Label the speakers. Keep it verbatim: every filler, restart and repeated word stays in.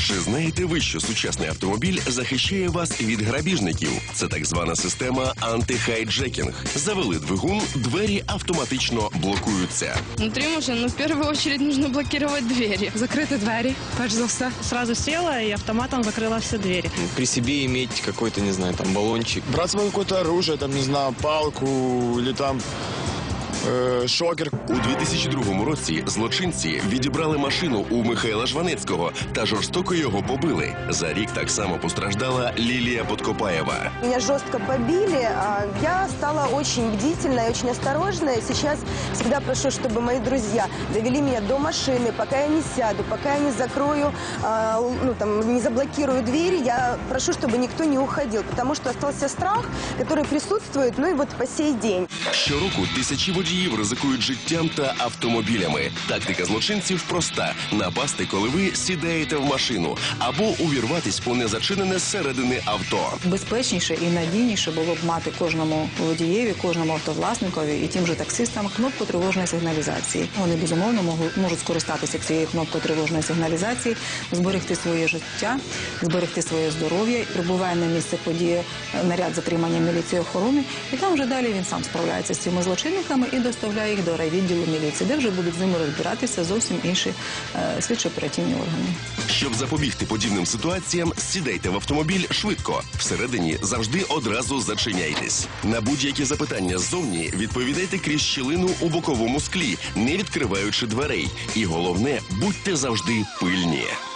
Speaker 1: Чи знаєте ви, що сучасний автомобіль захищає вас від грабіжників? Це так звана система анти-хайджекінг. Завели двигун, двері автоматично блокуються.
Speaker 2: Внутри машины, ну, в первую очередь нужно блокировать двери.
Speaker 3: Закрити двері, перш за все.
Speaker 4: Сразу села и автоматом закрыла все двери.
Speaker 5: При себе иметь какой-то, не знаю, там баллончик.
Speaker 6: Брать с собой какое-то оружие, там, не знаю, палку или там э, шокер.
Speaker 1: У дві тисячі другому році злочинці відібрали машину у Михайла Жванецького та жорстоко його побили. За рік так само постраждала Лілія Подкопаєва.
Speaker 7: Меня жестко побили, а я стала очень бдительной, очень осторожной. Сейчас всегда прошу, чтобы мои друзья довели меня до машины, пока я не сяду, пока я не закрою, а, ну, там, не заблокирую двери. Я прошу, чтобы никто не уходил, потому что остался страх, который присутствует, ну и вот по сей день.
Speaker 1: Щороку тисячі водіїв ризикують життям та автомобілями. Тактика злочинців проста – напасти, коли ви сідаєте в машину, або увірватись по незачинене зсередини авто.
Speaker 8: Безпечніше і надійніше було б мати кожному водієві, кожному автовласникові і тим же таксистам кнопку тривожної сигналізації. Вони, безумовно, можуть скористатися цією кнопкою тривожної сигналізації, зберегти своє життя, зберегти своє здоров'я. Прибуває на місце події наряд затримання міліції охорони, і там вже далі він сам справляється з цими злочинниками і доставляє їх до райвідділу міліції, де вже будуть з ними розбиратися зовсім інші е, слідчо-оперативні органи.
Speaker 1: Щоб запобігти подібним ситуаціям, сідайте в автомобіль швидко. Всередині завжди одразу зачиняйтесь. На будь-які запитання ззовні відповідайте крізь щілину у боковому склі, не відкриваючи дверей. І головне, будьте завжди пильні.